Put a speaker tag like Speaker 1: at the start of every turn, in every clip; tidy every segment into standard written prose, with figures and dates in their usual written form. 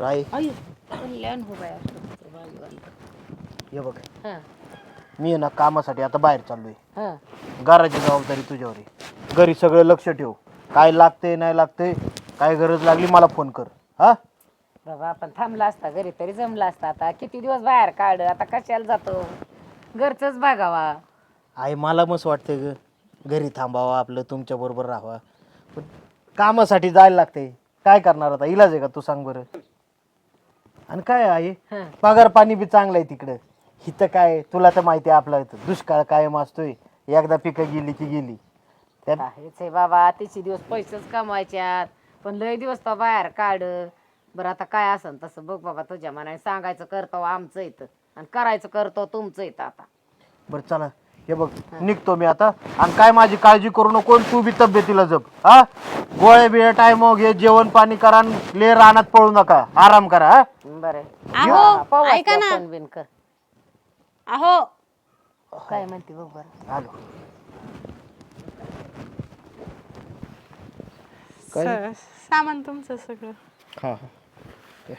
Speaker 1: आई
Speaker 2: अयो कल्याण हो बाया
Speaker 1: हे बघ
Speaker 2: हां
Speaker 1: मी आहे ना कामासाठी आता बाहेर चाललोय.
Speaker 2: हां
Speaker 1: घराची जबाबदारी तुझ्यावर आहे. घरी सगळं लक्ष ठेव. काय लागते नाही लागते काय गरज लागली मला फोन कर. हा
Speaker 2: बाबा आपण थांबला असता घरी तरी जमला असता. आता किती दिवस बाहेर काढ आता कशाला जातो घरचंच बघावा.
Speaker 1: आई मला मस्त वाटते ग घरी थांबावा आपलं तुमच्या बरोबर राहावा. पण कामासाठी जायला लागते. काय करणार आता इलाज आहे का तू सांग बरं. आणि काय आहे
Speaker 2: हां
Speaker 1: पगार पाणी बी चांगलं आहे तिकडं. इथं काय तुला तर माहिती आहे आपला इथं दुष्काळ कायम असतोय. एकदा पिकं गेली की गेली. त्यात
Speaker 2: हेच आहे बाबा तिचे दिवस पैसेच कमवायच्यात पण लय दिवस तो बाहेर काढ. बरं आता काय असन तसं बघ बाबा तुझ्या मनाने सांगायचं करतो आमचं इथं आणि करायचं करतो तुमचं इथं. आता
Speaker 1: बरं चला हे बघ निघतो मी आता. आणि काय माझी काळजी करू नको. तू बी तब्येतीला जप. हा गोळे बिळे टाइम घे जेवण पाणी करा आणि ले रानात पळू नका आराम करा. हा
Speaker 2: बरं
Speaker 3: अहो ऐका ना.
Speaker 2: बिन कर
Speaker 3: अहो
Speaker 2: काय म्हणते बघ बरं.
Speaker 1: आलो काय?
Speaker 3: सामान तुमचं सगळं.
Speaker 1: हा हा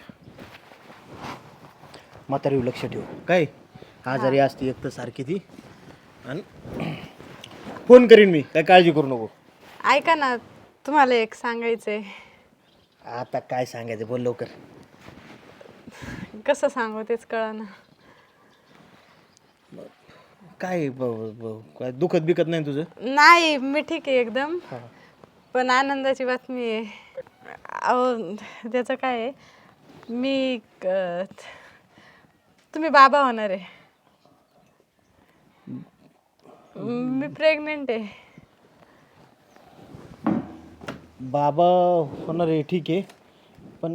Speaker 1: म्हातारी लक्ष ठेव. काय आजारी असते एक तर सारखी ती. आणि फोन करीन मी काय काळजी करू नको.
Speaker 3: ऐका ना तुम्हाला एक सांगायचंय.
Speaker 1: आता काय सांगायचं बोल लवकर.
Speaker 3: कसं सांगू तेच कळना.
Speaker 1: काय काय दुखत बिकत नाही तुझं.
Speaker 3: नाही मी ठीक आहे एकदम. पण आनंदाची बातमी आहे. अहो त्याचं काय आहे मी तुम्ही बाबा होणार आहे. मी प्रेग्नेंट आहे.
Speaker 1: बाबा होणार आहे ठीक आहे. पण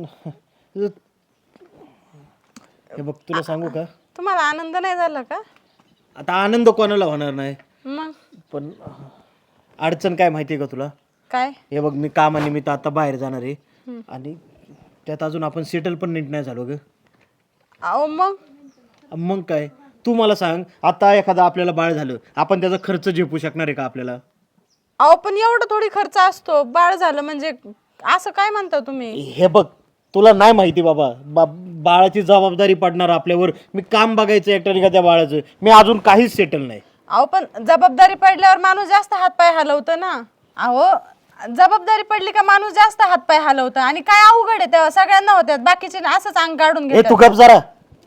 Speaker 1: हे बघ तुला सांगू का
Speaker 3: तुम्हाला आनंद नाही झाला का.
Speaker 1: आता आनंद कोणाला होणार नाही.
Speaker 3: मग
Speaker 1: पण अडचण काय माहिती आहे का तुला.
Speaker 3: काय.
Speaker 1: हे बघ मी कामानिमित्त आता बाहेर जाणार आहे. आणि त्यात अजून आपण सेटल पण नीट नाही झालो ग.
Speaker 3: अहो
Speaker 1: मग काय तू मला सांग आता एखादा आपल्याला बाळ झालं आपण त्याचा खर्च झेपू शकणार आहे का आपल्याला.
Speaker 3: अहो पण एवढं थोडी खर्च असतो. बाळ झालं म्हणजे असं काय म्हणता तुम्ही.
Speaker 1: हे बघ तुला नाही माहिती बाबा बाळाची जबाबदारी पडणार आपल्यावर. मी काम बघायचं एकट्याने का त्या बाळाचं. मी अजून काहीच सेटल नाही.
Speaker 3: अहो पण जबाबदारी पडल्यावर माणूस जास्त हातपाय हलवतं ना. अहो जबाबदारी पडली का माणूस जास्त हातपाय हलवतं. आणि काय अवघड आहे तेव्हा सगळ्यांना होत्यात बाकीचे असंच अंग काढून
Speaker 1: हे तू
Speaker 3: घेतात.
Speaker 1: गप जरा.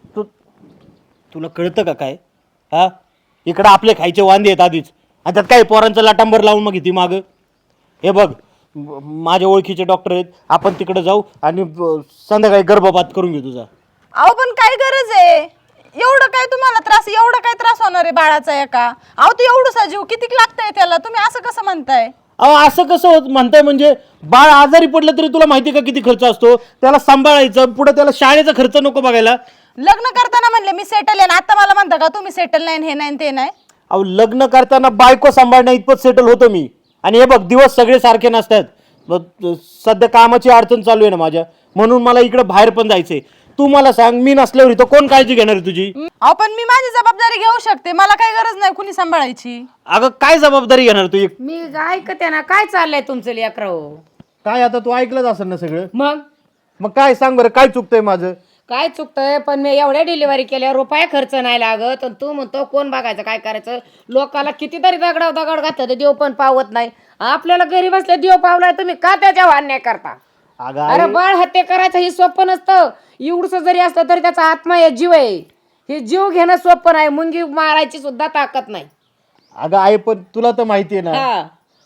Speaker 1: तुला कळतं का काय. हा इकडं आपले खायचे वांदे आहेत आधीच. आणि त्यात काही पोरांचं लाटांबर लावून मग ती माग. हे बघ माझ्या ओळखीचे डॉक्टर आहेत. आपण तिकडे जाऊ आणि संध्याकाळी गर्भपात करून घेऊ तुझा.
Speaker 3: अहो पण काय गरज आहे एवढं काय तुम्हाला त्रास. एवढं काय त्रास होणार आहे बाळाचा एका. अहो तू एवढं जीव किती लागतंय त्याला. तुम्ही असं कसं म्हणताय.
Speaker 1: अहो असं कसं म्हणताय म्हणजे बाळ आजारी पडलं तरी तुला माहिती का किती खर्च असतो. त्याला सांभाळायचं पुढे त्याला शाळेचा खर्च नको बघायला.
Speaker 3: लग्न करताना म्हणले मी सेटल आहे. आता मला म्हणता का तुम्ही सेटल नाही हे नाही ते नाही.
Speaker 1: अहो लग्न करताना बायको सांभाळण्या इतपत सेटल होतो मी. आणि हे बघ दिवस सगळे सारखे नसतात. सध्या कामाची अडचण चालू आहे ना माझ्या. म्हणून मला इकडे बाहेर पण जायचंय. तू मला सांग मी नसल्यावर इथं कोण काळजी घेणार आहे तुझी.
Speaker 3: अहो पण मी माझी जबाबदारी घेऊ शकते. मला काही गरज नाही कुणी सांभाळायची.
Speaker 1: अगं काय जबाबदारी घेणार तू.
Speaker 2: मी ऐकते ना काय चाललंय तुमचं लेकरं.
Speaker 1: काय आता तू ऐकलंच असेल ना सगळं.
Speaker 2: मग
Speaker 1: काय सांग बरं काय चुकतंय माझं.
Speaker 2: काय चुकतंय पण मी एवढ्या डिलिव्हरी केल्या रुपया खर्च नाही लागत. आणि तू म्हणतो कोण बघायचं काय करायचं. लोकाला कितीतरी दगड घातलं देव पण पावत नाही. आपल्याला घरी बसल्या देव पावलाय तुम्ही का त्याच्यावर अन्याय करता.
Speaker 1: अगं
Speaker 2: अरे बाळ हत्या करायचं हे सोपं नसतं. एवढंच जरी असलं तरी त्याचा आत्मा आहे जीव आहे. हे जीव घेणं सोपं नाही. मुंगी मारायची सुद्धा ताकद नाही.
Speaker 1: अगं आई पण तुला तर माहिती आहे ना
Speaker 2: हा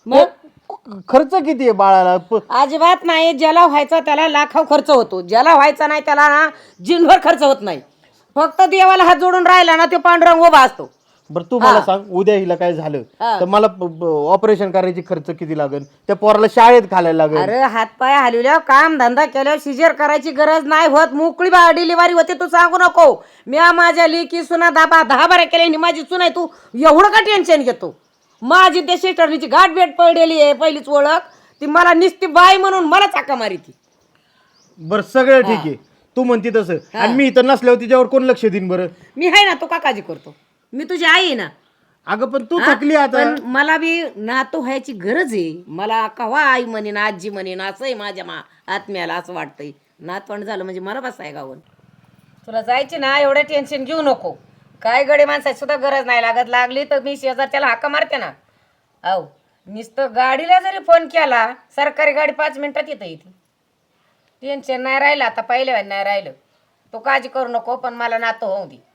Speaker 2: मग
Speaker 1: खर्च किती आहे बाळाला.
Speaker 2: अजिबात नाही. ज्याला व्हायचा त्याला लाखाव खर्च होतो. ज्याला व्हायचा नाही त्याला ना जिनभर खर्च होत नाही. फक्त देवाला हात जोडून राहिला ना तो पांडुरंग उभा असतो.
Speaker 1: बरं तू मला सांग उद्या हिला काय झालं तर मला ऑपरेशन करायची खर्च किती लागेल. त्या पोराला शाळेत घालायला लागेल.
Speaker 2: अरे हातपाय हलवल्यावर काम धंदा केल्यावर सिजर करायची गरज नाही होत. मोकळी डिलिव्हरी होते. तू सांगू नको. मी माझ्या लेकी सुना 10 केल्या माझी सुना आहे. तू एवढं का टेन्शन घेतो. माझी त्या सिस्टरनीची गाठ भेट पडलेली आहे पहिलीच ओळख. ती मला निस्ती बाई म्हणून मला चाका मारी ती.
Speaker 1: बरं सगळं ठीक आहे तू म्हणती तसं. आणि मी इथं नसल्यावर तिच्यावर कोण लक्ष देईन बरं.
Speaker 2: मी आहे ना. तू का काळजी करतो. मी तुझी आई आहे ना.
Speaker 1: अगं पण तू थकली आता.
Speaker 2: पण मला बी नातू व्हायची गरज आहे. मला कवा आई म्हणेन आजी म्हणेन असंही माझ्या आत्म्याला असं वाटतंय. नातवंड झालं म्हणजे मला बसाय गावून. तुला जायची ना, एवढं टेन्शन घेऊ नको. काय गडे माणसाची सुद्धा गरज नाही लागत, लागली तर मी शेजारच्याला हाका मारते ना. अहो नुसतं गाडीला जरी फोन केला, सरकारी गाडी 5 मिनिटात येते इथे. टेन्शन नाही राहिलं आता, पहिल्या नाही राहिलं. तो काळजी करू नको, पण मला नातं होऊ दे.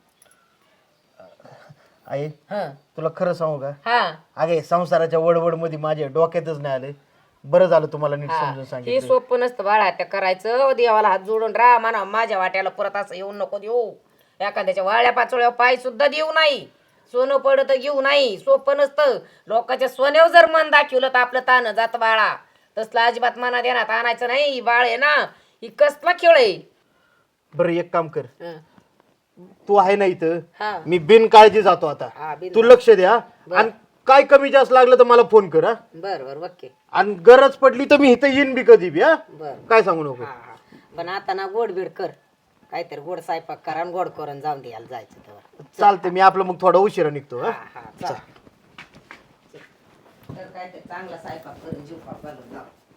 Speaker 1: आई
Speaker 2: हं
Speaker 1: तुला खरं सांगू का,
Speaker 2: हा
Speaker 1: अगे संसाराच्या वडवड मध्ये माझ्या डोक्यातच नाही आले. बरं झालं तुम्हाला नीट समजून
Speaker 2: हे
Speaker 1: सांगितलं.
Speaker 2: सोपं नसतं बाळा, त्या करायचं. देवाला हात जोडून राहा, म्हणा माझ्या वाट्याला परत असं येऊन नको देऊ. एखाद्याच्या वाळ्या पाचोळ्या पाय सुद्धा देऊ नाही. सोनं पडत घेऊ नाही. सोपं नसतं. लोकांच्या सोन्यावर जर मन दाखवलं तर आपलं ताण जात बाळा. तसलं अजिबात मनात येणार आणायचं नाही. ही बाळ आहे ना, ही कसला खेळ आहे.
Speaker 1: बरं एक काम कर,
Speaker 2: हं.
Speaker 1: तू आहे ना इथं,
Speaker 2: हा.
Speaker 1: मी बिनकाळजी जातो आता.
Speaker 2: हा, बिन-
Speaker 1: तू लक्ष द्या आणि काय कमी जास्त लागलं तर मला फोन कर. हा
Speaker 2: बर बर ओके.
Speaker 1: आणि गरज पडली तर मी इथं येईन बी कधी बी. हा
Speaker 2: बर
Speaker 1: काय सांगू नको.
Speaker 2: हा हा. पण आता ना गोड बीड कर, काहीतरी गोड स्वयंपाक करा आणि गोड करून जाऊन द्यायला जायचं तेव्हा.
Speaker 1: चालते, मी आपलं मग थोडा उशिरा निघतो. हा
Speaker 2: हा चल. तर काहीतरी चांगला स्वयंपाक करून जीव घालून जाऊ.